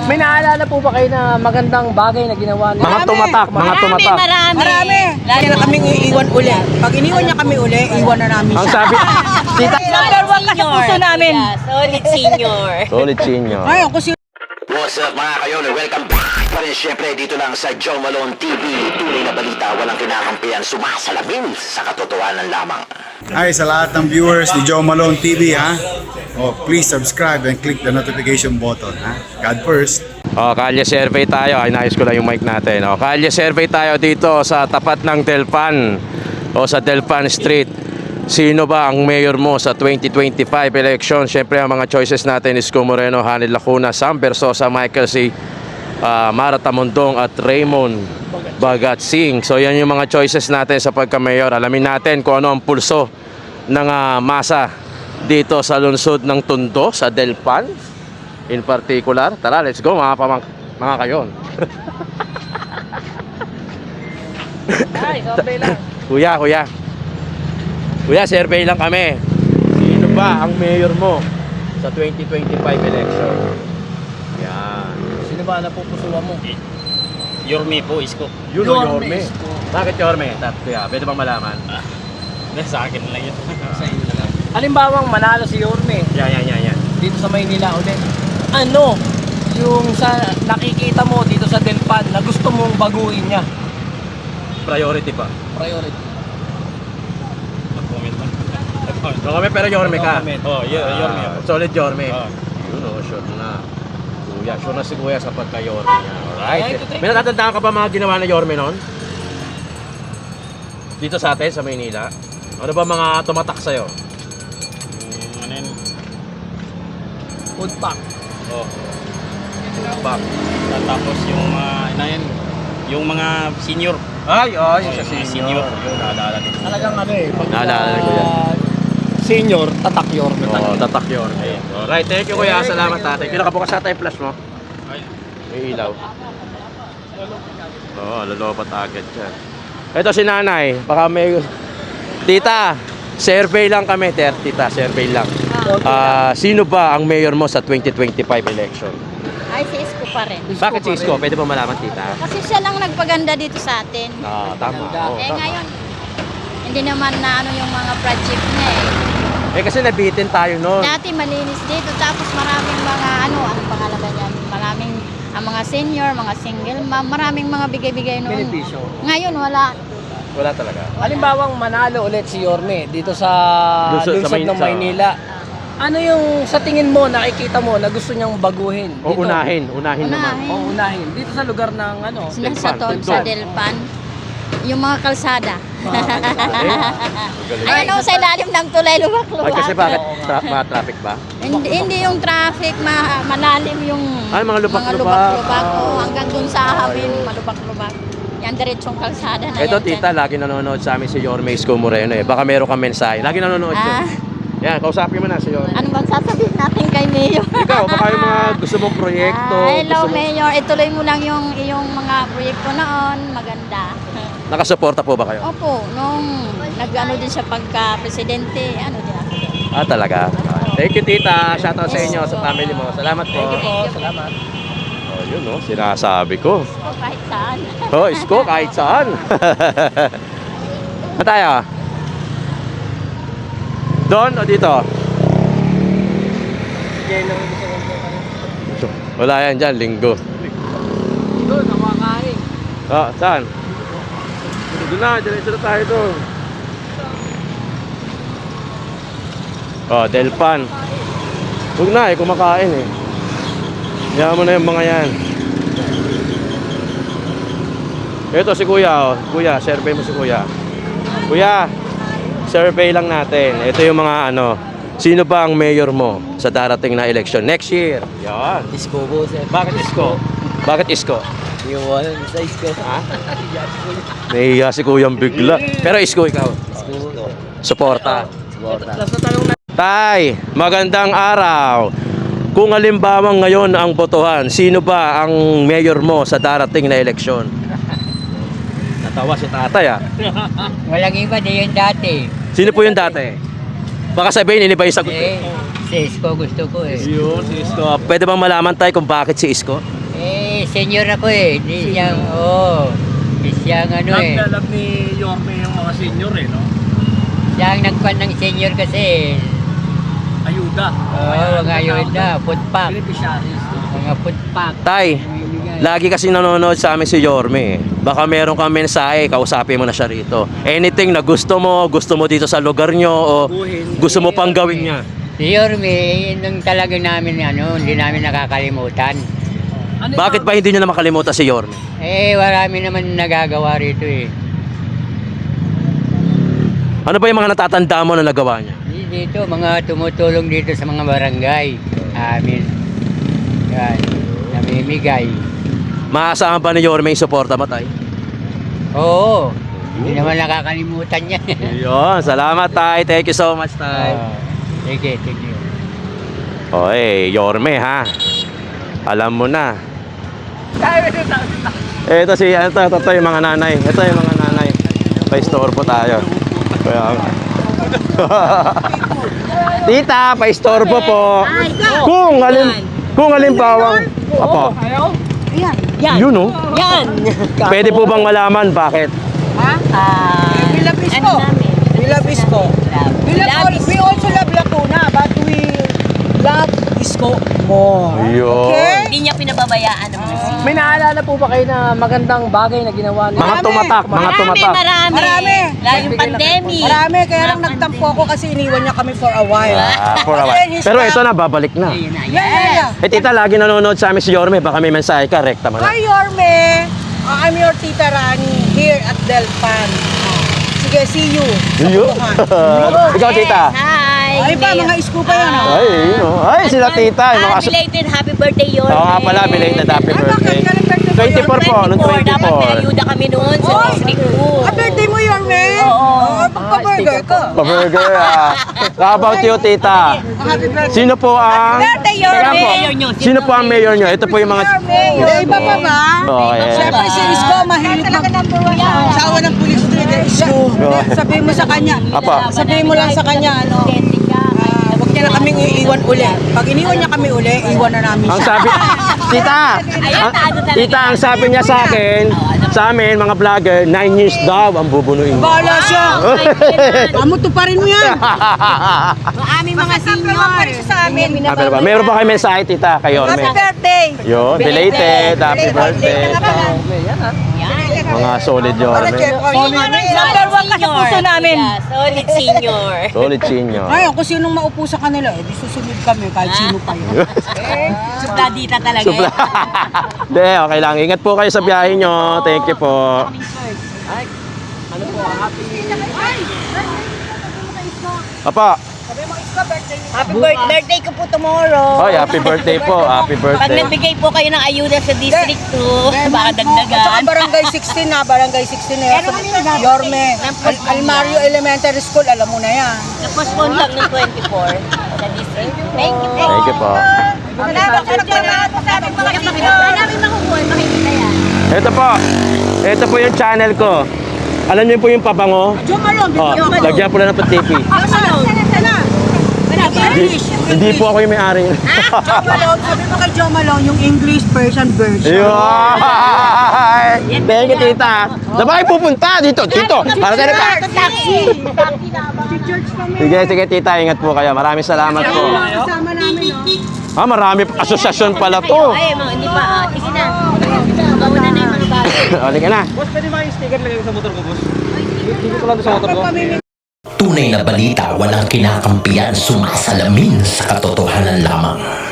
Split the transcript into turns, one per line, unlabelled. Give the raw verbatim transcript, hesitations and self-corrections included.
May naalala po ba kayo na magandang bagay na ginawa niya?
Mga tumatak, mga tumatak.
Marami,
Marami. Lagi na kaming iiwan uli. Pag iniwan niya kami uli, iwan na namin
Ang
siya.
sabi,
Tita,
Number one ka sa puso namin. Yeah, solid senior.
solid senior.
Ay, ako si
What's up mga kayon? Welcome back pa rin syempre dito lang sa Joe Malone T V. Tunay na balita, walang kinakampihan, sumasalamin sa katotohanan lamang.
Hi sa lahat ng viewers ni Joe Malone T V ha. Oh, please subscribe and click the notification button ha. God first.
Oh, kalye survey tayo. Ay, nais ko lang yung mic natin. Oh, kalye survey tayo dito sa tapat ng Delpan o sa Delpan Street. Sino ba ang mayor mo sa twenty twenty-five election? Siyempre ang mga choices natin is Isko Moreno, Hanel Lacuna, Sam Versosa, Michael C, uh, Mara Tamundong at Raymond Bagat Singh. So yan yung mga choices natin sa pagka-mayor. Alamin natin kung ano ang pulso ng uh, masa dito sa lungsod ng Tondo, sa Delpan in particular. Tara, let's go mga pamang mga kayon.
ay, sobrang lang.
Kuya, kuya. Kuya, survey lang kami. Sino ba ang mayor mo sa twenty twenty-five election? Yan.
Sino ba napupusuan mo?
Yorme po, Isko.
Yun o,
Yorme,
Yorme.
Isko.
Bakit Yorme? Tat, kuya, pwede bang malaman?
Hindi, sa akin lang yun.
Sa inyo na lang. Halimbawang manalo si Yorme
Yan, yan, yan, yan.
dito sa Maynila ulit. Ano yung sa nakikita mo dito sa Delpan na gusto mong baguhin niya?
Priority pa.
Priority.
Mag-comment lang.
No kami, pero Yorme ka.
Oh, y- Yorme
Ah,
ako.
solid Yorme.
Oh.
Yun o, sure na. Kuya, sure na si kuya sa pagka-Yorme niya.
Ay,
Alright.
ito, ito.
May natatandaan ka pa mga ginawa na Yorme noon? Dito sa atin, sa Maynila? Ano ba mga tumatak sa'yo?
Mm, ano yun?
Food pack.
Oh.
Back.
Tapos yung mga, ano yun? Yung mga senior.
Ay, oh, yung
Oh,
sa
yung mga
senior.
senior.
Yun, naalala ko.
Talagang ano eh. Pag,
Naalala ko yan.
ah, senior, tatak Yorme.
Oo, tatak Yorme. Alright, thank you kuya. Salamat tatay. Kailan ka bukas sa tayo flash mo?
Ay,
May ilaw. Oo, oh, lolopat agad dyan. Ito si nanay. Baka may... Tita, survey lang kami. Ter, tita, survey lang. Ah, sino ba ang mayor mo sa twenty twenty-five election?
Ay, si Isko pa rin.
Bakit si Isko? Pwede ba malaman, tita?
Kasi siya lang nagpaganda dito sa atin.
Ah, tama. Oo,
eh
tama.
ngayon, hindi naman na ano yung mga project niya eh.
Eh kasi nabitin tayo noon.
Dati malinis dito, tapos maraming mga ano, ano pangalan ba yan? Maraming ang mga senior, mga single mom, maraming mga bigay-bigay noon.
Benepisyo.
Ngayon wala.
Wala talaga.
Halimbawang manalo ulit si Yorme dito sa
Lungsod- sa
lungsod
Mayn-
ng
sa-
Maynila. Ano yung sa tingin mo, nakikita mo na gusto niyang baguhin?
O unahin, unahin naman.
Unahin.
O unahin. Dito sa lugar ng ano?
Sila
Delpan,
sa Ton, sa
Delpan.
Delpan, yung mga kalsada.
Galing.
Ayun o, sa ilalim ng tulay, luwak-luwak.
Ay, kasi bakit? Tra- mga traffic ba?
Hindi, hindi yung traffic, ma malalim yung
Ay, mga lubak-lubak.
lubak-lubak.
Ah.
Oo, hanggang dun sa amin, malubak-lubak. Yan, diretsong kalsada na
Ito
yan.
tita,
dyan.
lagi nanonood sa amin si Yorme Isko Moreno eh. Baka meron kang mensahe. Lagi nanonood
Ah,
siya. Yan, kausapin mo na si Yorme.
ano bang sasabihin natin kay Mayor?
Ikaw, baka yung mga gusto mong proyekto.
Ah, hello,
gusto mo...
Mayor. Ituloy mo lang yung iyong mga proyekto noon. Maganda.
Nakasuporta po ba kayo?
Opo, nung nag-ano din siya pagka-presidente, ano din ako.
Ah, talaga? Thank you tita. Shoutout sa inyo, sa family mo. Salamat po.
Thank you po. Salamat.
Oh, yun no, sinasabi ko.
O, kahit saan.
Oh, Isko, kahit saan. Saan tayo? Doon o dito? Wala yan dyan, linggo.
Doon, nawakain.
Ah, saan? Doon na, diretso na tayo doon. Oh, Delpan. Huwag na eh, kumakain eh. Hayaan mo na yung mga yan. Ito si kuya oh. Kuya, survey mo si kuya. Kuya, survey lang natin. Ito yung mga ano, sino ba ang mayor mo sa darating na election next year? Yan.
Isko po, sir.
Bakit Isko? Bakit Isko?
Yung ano, sa Isko.
Ha? Nahihiya si kuyang bigla. Pero Isko ikaw.
Isko.
Suporta.
Tapos na tanong na.
Tay, magandang araw. Kung halimbawa ngayon ang botohan, sino ba ang mayor mo sa darating na eleksyon? Natawa si tatay ah.
Walang iba, di yun dati.
Sino po yung dati? Baka sabihin, ini ba yung sagot?
Eh,
si Isko gusto ko eh.
Yun, si Isko. Pwede bang malaman tayo kung bakit si Isko?
Eh, senior ako eh. Di siyang, oo. Di siyang ano eh.
Naglalab ni Yorme yung mga senior eh, no?
Siyang nagpan ng senior kasi.
Ayuda.
Oo, mga yun na. Food pack.
Beneficiaries.
Mga food pack.
Tay, lagi kasi nanonood sa amin si Yorme. Baka meron kang mensahe, kausapin mo na siya rito. Anything na gusto mo, gusto mo dito sa lugar nyo, o gusto mo pang gawin niya.
Si Yorme, yun yung talaga namin, ano, hindi namin nakakalimutan.
Ano
Bakit ba hindi nyo na makalimutan si Yorme?
Eh, marami naman nagagawa rito eh.
Ano ba yung mga natatanda mo na nagawa niya?
Dito, mga tumutulong dito sa mga barangay. Amin. Yan, namimigay.
Maasahan ba ni Yorme yung suporta mo, Tay?
Oo, hindi naman nakakalimutan niya.
Yun, salamat, Tay. Thank you so much, Tay.
Ah, sige, sige.
Oy, Yorme, ha? Alam mo na. Ito si, ito, ito, ito yung mga nanay. Ito yung mga nanay. Pa-store po tayo. Kaya, Tita, pa-istorbo po. Kung alin, kung alimbawang, apo.
Yan.
Yun, oh.
Yan.
Pwede po bang malaman bakit?
Ha?
Ah,
Bilabisco. Bilabisco. Bilabisco. We also love Lacuna, but we love Isko more.
Yun.
Okay?
Hindi niya pinababayaan ang mga senior.
May naalala po ba kayo na magandang bagay na ginawa niya?
Mga
Marami.
tumatak, mga tumatak.
Marami,
Marami.
Lalo yung pandemic.
Marami, kaya lang nagtampo ako kasi iniwan niya kami for a while.
Ah, for a while.
Then his
Pero
mom-
ito na, babalik na.
Ayun na,
Yeah, yeah, yeah.
Eh, tita, lagi nanonood sa amin si Yorme. Baka may mensahe ka, rekta mo na.
Hi, Yorme. Uh, I'm your Tita Rani here at Delpan. Sige, see you. Sa
Iyo.
Kutukan.
Ikaw, tita.
Hi.
Ay pa, mga isko pa yan. ah.
Ay, yun oh. Ay, sila tita. Yung mga
Ah,
aso-
belated happy birthday, Yorme.
Oo nga pala, belated happy
Ay,
birthday.
bakit? Kailan birthday mo,
twenty-four po, noong
Dapat may
twenty-four.
ayuda kami noon sa
Oy!
district ko.
Ah, birthday mo, Yorme?
Oo.
Oo, pagpa-burger ka.
Pa-burger ah. How about you, tita?
Happy birthday.
Sino po ang...
birthday, Yorme.
Teka po.
Mayor nyo,
Sino po ang mayor nyo? Ito po yung mga...
Yorme. Eh, iba pa ba?
Oh, yeah.
Siyempre, si Isko, mahilig mag... Sawa ng police street. Eh, Isko. Sabihin mo sa kanya.
Apa.
Sabihin mo lang sa kanya, ano, ah, huwag niya na kaming iiwan uli. Pag iniwan niya kami uli, iwan na namin
Ang
siya.
sabi... Tita!
Ayan,
ang-
tago talaga.
Tita, ang sabi niya sa akin, sa amin, mga vlogger, nine years daw ang bubunuin mo.
Bahala siya. Amuto pa rin mo yan.
Ang aming mga senior.
Sa amin.
Ah, pero ba? Meron ba kayo mensahe, tita, kay Yorme?
Happy birthday.
Yun, belated, happy birthday. Mga solid Yorme.
Number one ka sa puso namin. Solid senior.
Solid senior.
Ay, kung sinong maupo sa kanila, eh, di susunod kami kahit sino pa yun.
Supladita talaga.
Supla. Hindi, okay lang. Ingat po kayo sa biyahe nyo. Thank you po. Apa?
Happy birthday ko po tomorrow.
Oy, happy birthday po. Happy
Pag
birthday.
nagbigay po kayo ng ayuda sa District two, baka
At saka
dagdagan.
barangay sixteen na, barangay sixteen na yan. Sa Yorme, Al Almario Elementary School, alam mo na yan.
Na-postpone lang ng twenty-four sa District two. Thank you po.
Thank you po.
Salamat sa salamat sa aming mga senior. Wala namin makukuha, makikita yan.
Ito po. Ito po yung channel ko. Alam niyo po yung pabango?
Jo Malone,
Oh,
Jo Malone.
lagyan po lang ng patipi.
Jo Malone, sana.
Hindi, hindi po ako yung may-ari.
Jo Malone, sabi mo kay Jo Malone, yung English Persian version.
Yun! Thank you, tita. Saan ba kayo pupunta? Dito, dito. Para tayo pa.
Taxi!
Sige, sige, tita. Ingat po kayo. Maraming salamat po.
Kasama namin, no?
Ah, marami asosyasyon pala to.
Ay, mga hindi pa. ah, Sige na. Mauna na yung mga bagay.
O, ka na.
Boss, pwede ba yung sticker lagay ko sa motor ko, boss? Hindi ko lang sa motor ko.
Tunay na balita walang kinakampiyan, sumasalamin sa katotohanan lamang.